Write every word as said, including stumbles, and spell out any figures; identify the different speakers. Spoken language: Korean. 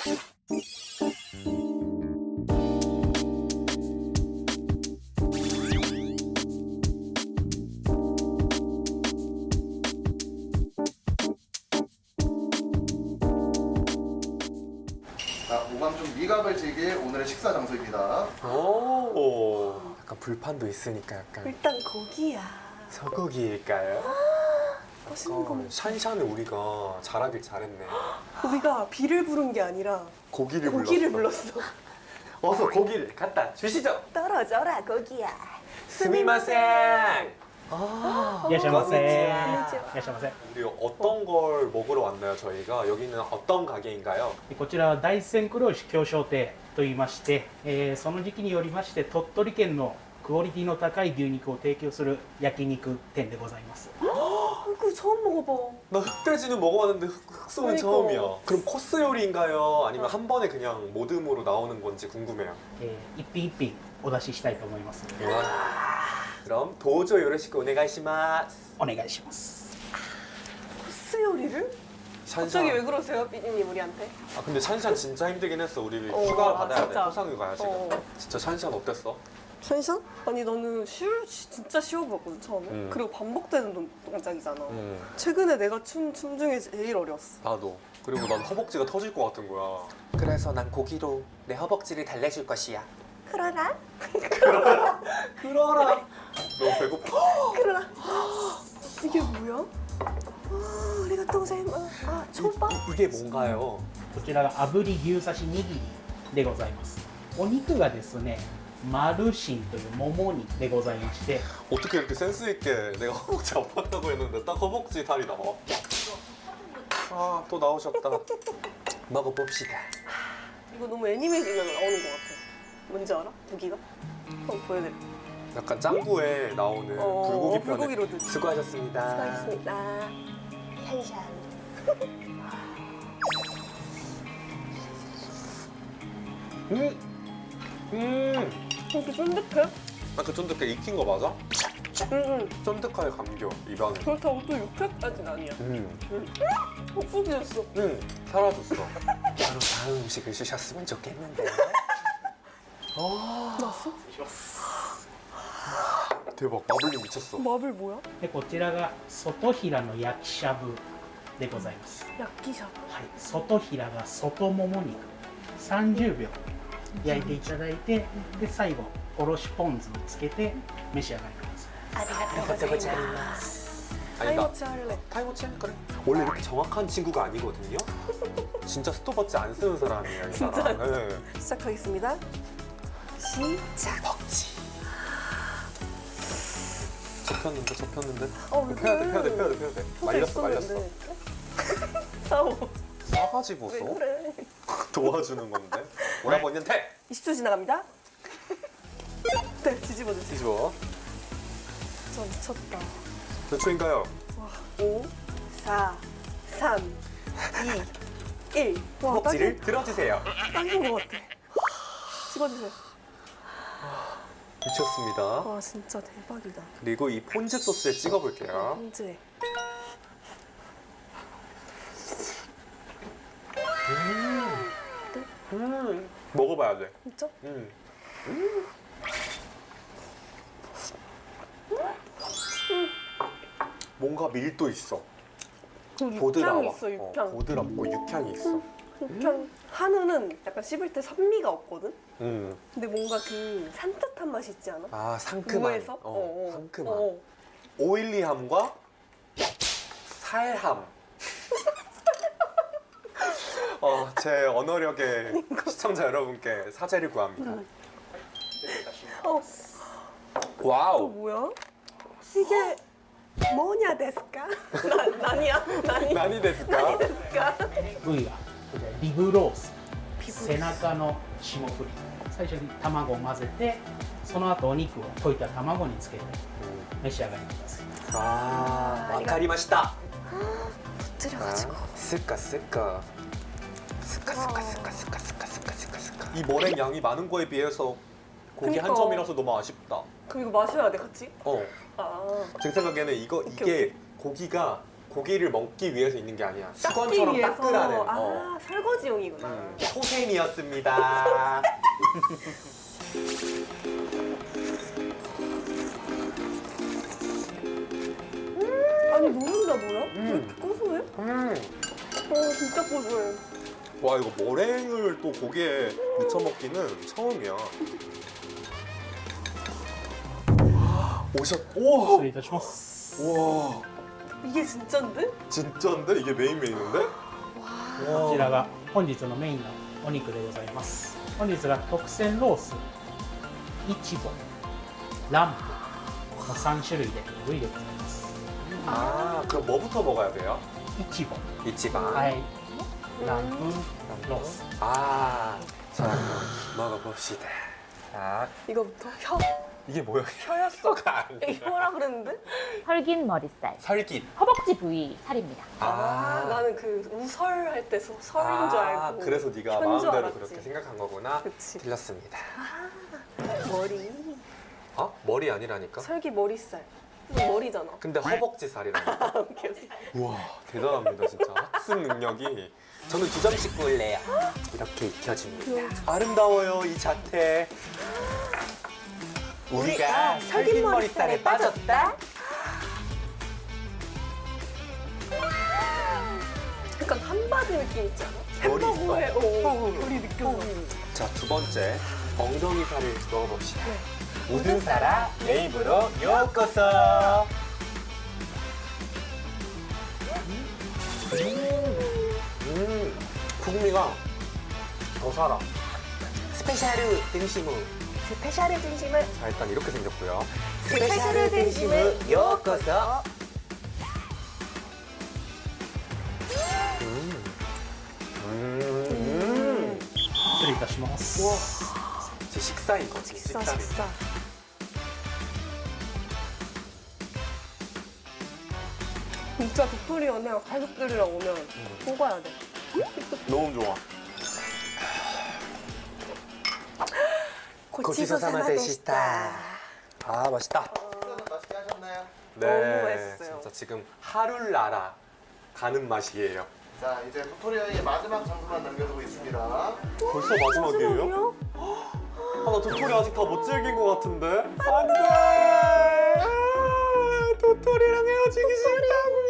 Speaker 1: 자, 오감 좀 미각을 즐길 오늘의 식사 장소입니다.
Speaker 2: 오, 약간 불판도 있으니까 약간
Speaker 3: 일단 고기야.
Speaker 2: 소고기일까요?
Speaker 3: 맛있는 거
Speaker 2: 약간
Speaker 3: 먹자.
Speaker 2: 샨샨을 우리가 잘하길 잘했네.
Speaker 3: 우리가 비를 부른 게 아니라
Speaker 2: 고기를,
Speaker 3: 고기를
Speaker 2: 불렀어.
Speaker 3: 불렀어.
Speaker 2: 어서 고기를 갖다 주시죠.
Speaker 3: 떨어져라 고기야.
Speaker 2: 스미마셍. 아,
Speaker 4: いらっしゃいませ。い
Speaker 2: 건니치와.
Speaker 4: らっしゃいませ。
Speaker 2: 우리 어떤 걸 먹으러 왔나요, 저희가? 여기는 어떤 가게인가요?
Speaker 4: こちらは大山黒牛京商亭と言いまして、えーその時期によりまして鳥取県のクオリティの高い牛肉を提供する焼肉店でございます。
Speaker 3: 그거 처음 먹어봐.
Speaker 2: 나 흑돼지는 먹어봤는데 흑, 흑소는
Speaker 3: 그러니까.
Speaker 2: 처음이야. 그럼 코스 요리인가요? 아니면 한 번에 그냥 모듬으로 나오는 건지 궁금해요.
Speaker 4: えー一品一品お出ししたいと思います。
Speaker 2: 그럼 도저 요로시크 오네가이시마스.
Speaker 4: お願いします。
Speaker 3: 코스 요리를? 갑자기 왜
Speaker 2: 샨샨.
Speaker 3: 그러세요, 삐디님 우리한테?
Speaker 2: 아 근데 샨샨 진짜 힘들긴 했어. 우리
Speaker 3: 어,
Speaker 2: 휴가
Speaker 3: 아,
Speaker 2: 받아야 돼.
Speaker 3: 진짜.
Speaker 2: 토상휴가야 지금.
Speaker 3: 어.
Speaker 2: 진짜 샨샨 어땠어?
Speaker 3: 션션? 아니 나는 쉬울, 진짜 쉬워 보였거든 처음에.
Speaker 2: 음.
Speaker 3: 그리고 반복되는 동- 동작이잖아.
Speaker 2: 응.
Speaker 3: 최근에 내가 춘 춤 중에 제일 어려웠어.
Speaker 2: 나도. 그리고 난 허벅지가 터질 것 같은 거야. 그래서 난 고기로 내 허벅지를 달래줄 것이야.
Speaker 3: 그러나?
Speaker 2: 그러라. 너무 배고파.
Speaker 3: 그러나? 이게 뭐야? 아, 아리가또 고자이마스. 아, 초밥?
Speaker 2: 이, 이게 뭔가요?
Speaker 4: こちらが炙り牛刺し握りでございます。お肉がですね、マルシンというもも肉でございまして、
Speaker 2: 어떻게 이렇게 센스 있게 내가 허벅지 아팠다고 했는데 딱 허벅지 살이 나와? 아, 또 나오셨다. 먹어봅시다.
Speaker 3: 이거 너무 애니메이션에 나오는 것 같아. 뭔지 알아? 무기가? 한번 보여드려.
Speaker 2: 약간 짱구에 나오는
Speaker 3: 어,
Speaker 2: 불고기 편에
Speaker 3: 불고기로드.
Speaker 2: 수고하셨습니다.
Speaker 3: 수고하셨습니다. 샨샨.
Speaker 2: 음, 음.
Speaker 3: 이렇게 쫀득해?
Speaker 2: 아그 쫀득해 익힌 거 맞아?
Speaker 3: 응응.
Speaker 2: 쫀득하게 감겨 입안에.
Speaker 3: 그렇다고 또 육회까지는 아니야.
Speaker 2: 음,
Speaker 3: 옥수수였어.
Speaker 2: 음 사라졌어. 바로 다음 음식을 주셨으면 좋겠는데. 아,
Speaker 3: 났어?
Speaker 2: 대박 마블링 미쳤어.
Speaker 3: 마블 뭐야?
Speaker 4: でこちらが外平の焼きしゃぶでございます。
Speaker 3: 야끼샤브.
Speaker 4: はい、外平が外もも肉さんじゅうびょう焼いていただいて、で最後おろしポン酢をつけて召し上がりください。
Speaker 3: 아리가또 고자이마스.
Speaker 2: 아니 나
Speaker 3: 타이머치 할래.
Speaker 2: 타이머치 그래. 원래 이렇게 정확한 친구가 아니거든요. 진짜 스톱워치 안 쓰는 사람이에요 이
Speaker 3: 진짜
Speaker 2: 사람.
Speaker 3: 안
Speaker 2: 네.
Speaker 3: 시작하겠습니다. 시작.
Speaker 2: 먹지. 접혔는데 접혔는데.
Speaker 3: 어, 왜
Speaker 2: 펴야 돼
Speaker 3: 그래?
Speaker 2: 펴야 돼 펴야 돼 펴야 돼.
Speaker 3: 펴져
Speaker 2: 말렸어 말렸어.
Speaker 3: 있었는데. 싸워.
Speaker 2: 싸가지
Speaker 3: 왜
Speaker 2: 보소.
Speaker 3: 그래?
Speaker 2: 도와주는 건데. 오라버니한테
Speaker 3: 이십 초 지나갑니다. 네, 뒤집어 주세요.
Speaker 2: 뒤집어.
Speaker 3: 저 미쳤다.
Speaker 2: 몇 초인가요?
Speaker 3: 와, 오, 사, 삼, 이, 일. 와,
Speaker 2: 허벅지를 들어주세요.
Speaker 3: 딱인 것 같아. 찍어주세요.
Speaker 2: 미쳤습니다.
Speaker 3: 와, 진짜 대박이다.
Speaker 2: 그리고 이 폰즈 소스에 찍어볼게요.
Speaker 3: 현재.
Speaker 2: 음, 먹어봐야 돼.
Speaker 3: 진짜?
Speaker 2: 음. 뭔가 밀도 있어.
Speaker 3: 그 육향이
Speaker 2: 보드라워.
Speaker 3: 있어, 육향.
Speaker 2: 어, 보드랍고 육향이 있어.
Speaker 3: 육향. 한우는 약간 씹을 때 산미가 없거든?
Speaker 2: 음.
Speaker 3: 근데 뭔가 그 산뜻한 맛이 있지 않아?
Speaker 2: 아 상큼한.
Speaker 3: 무에서?
Speaker 2: 어,
Speaker 3: 어, 어.
Speaker 2: 상큼한.
Speaker 3: 어, 어.
Speaker 2: 오일리함과 살함. 어, 제 언어력에 시청자 여러분께 사죄를 구합니다.
Speaker 3: 어, 또
Speaker 2: 와우.
Speaker 3: 뭐야? 이게 뭐냐 데스까? 나, 나니야? 나니?
Speaker 2: 나니 데스까?
Speaker 3: 데스까?
Speaker 4: 部位はこちらリブロース
Speaker 3: リブロース
Speaker 4: 背中の霜降り最初に卵を混ぜてその後お肉を溶いた卵につけて召し上がりください。
Speaker 2: 아, 와카리마시다.
Speaker 3: 엎드려가지고.
Speaker 2: 스까 스까 스까 스까 스까 스까 스까 스까 스까 스까. 이 머랭 양이 많은 거에 비해서 고기 한
Speaker 3: 그니까.
Speaker 2: 점이라서 너무 아쉽다.
Speaker 3: 그럼 이거 마셔야 돼, 같이?
Speaker 2: 어,
Speaker 3: 아.
Speaker 2: 제 생각에는 이거
Speaker 3: 오케이,
Speaker 2: 이게 고기가 고기를 먹기 위해서 있는 게 아니야.
Speaker 3: 닦기
Speaker 2: 수건처럼
Speaker 3: 위해서.
Speaker 2: 닦으라는.
Speaker 3: 아
Speaker 2: 어.
Speaker 3: 설거지용이구나.
Speaker 2: 음, 소셈이었습니다.
Speaker 3: 아니 노른자 뭐야? 왜
Speaker 2: 음.
Speaker 3: 이렇게 고소해?
Speaker 2: 음.
Speaker 3: 어 진짜 고소해.
Speaker 2: 와 이거 머랭을 또 고기에 묻혀 먹기는 처음이야. 오셨.
Speaker 4: 失
Speaker 2: 우와.
Speaker 4: 礼いたします。
Speaker 2: 우와.
Speaker 3: 이게 진짠데?
Speaker 2: 진짜인데 이게 메인 메뉴인데?
Speaker 4: こちらが本日のメインのお肉でございます。本日が特選ロース、イチボ、ランプのさん種類で部位でございます。
Speaker 2: 아 그럼 뭐부터 먹어야 돼요?
Speaker 4: イチボ、
Speaker 2: 이치방.
Speaker 4: はい、ランプ、ロース。
Speaker 2: 아. 자 그럼 먹어봅시다. 자
Speaker 3: 이거부터 혀
Speaker 2: 이게 뭐야?
Speaker 3: 혀였어.
Speaker 2: 혀가 아니야.
Speaker 3: 혀라 그랬는데?
Speaker 5: 설긴 머리살,
Speaker 2: 설깃.
Speaker 5: 허벅지 부위 살입니다.
Speaker 3: 아, 나는 그 우설 할 때 서- 설인 줄
Speaker 2: 아,
Speaker 3: 알고.
Speaker 2: 그래서 네가
Speaker 3: 혀인 줄
Speaker 2: 마음대로
Speaker 3: 알았지.
Speaker 2: 그렇게 생각한 거구나.
Speaker 3: 그치.
Speaker 2: 틀렸습니다.
Speaker 3: 머리.
Speaker 2: 어? 머리 아니라니까?
Speaker 3: 설기 머리살. 머리잖아.
Speaker 2: 근데 허벅지 살이라니까.
Speaker 3: 오케이, 오케이.
Speaker 2: 우와 대단합니다 진짜. 학습 능력이. 저는 두 점씩 구울래요. 이렇게 익혀집니다. 아름다워요 이 자태. 우리가 설긴 머리살에 빠졌다.
Speaker 3: 약간 한바드 느낌 있지 않아?
Speaker 2: 머리
Speaker 3: 햄버거에
Speaker 2: 있어.
Speaker 3: 오, 머리 느껴져.
Speaker 2: 자 두 번째 엉덩이 살을 넣어봅시다.
Speaker 3: 네.
Speaker 2: 우드사라 웨이브로 요코소. 음, 구미가 더 살아. 스페셜 등심우.
Speaker 3: 스페셜의 진심을
Speaker 2: 자 일단 이렇게 생겼고요.
Speaker 3: 스페셜의 등심을
Speaker 2: 요코소. 음. 음.
Speaker 4: 失礼いたします。
Speaker 2: 우와. 제 식사인 거지.
Speaker 3: 식사
Speaker 2: 식사리.
Speaker 3: 식사. 진짜 빅토리언에 가족들이랑 오면 꼭 와야 돼.
Speaker 2: 너무 좋아.
Speaker 3: 고치소 사마 데시타.
Speaker 2: 아 맛있다.
Speaker 1: 식사는 맛있게 하셨나요?
Speaker 2: 네.
Speaker 3: 너무 맛있어요.
Speaker 2: 진짜 지금 하룰나라 가는 맛이에요.
Speaker 1: 자, 이제 도토리아의 마지막 장소만 남겨두고 있습니다.
Speaker 2: 벌써 마지막이에요? 아, 나 도토리 아직 다 못 즐긴 것 같은데? 안 돼! 아, 도토리랑 헤어지기 싫다고!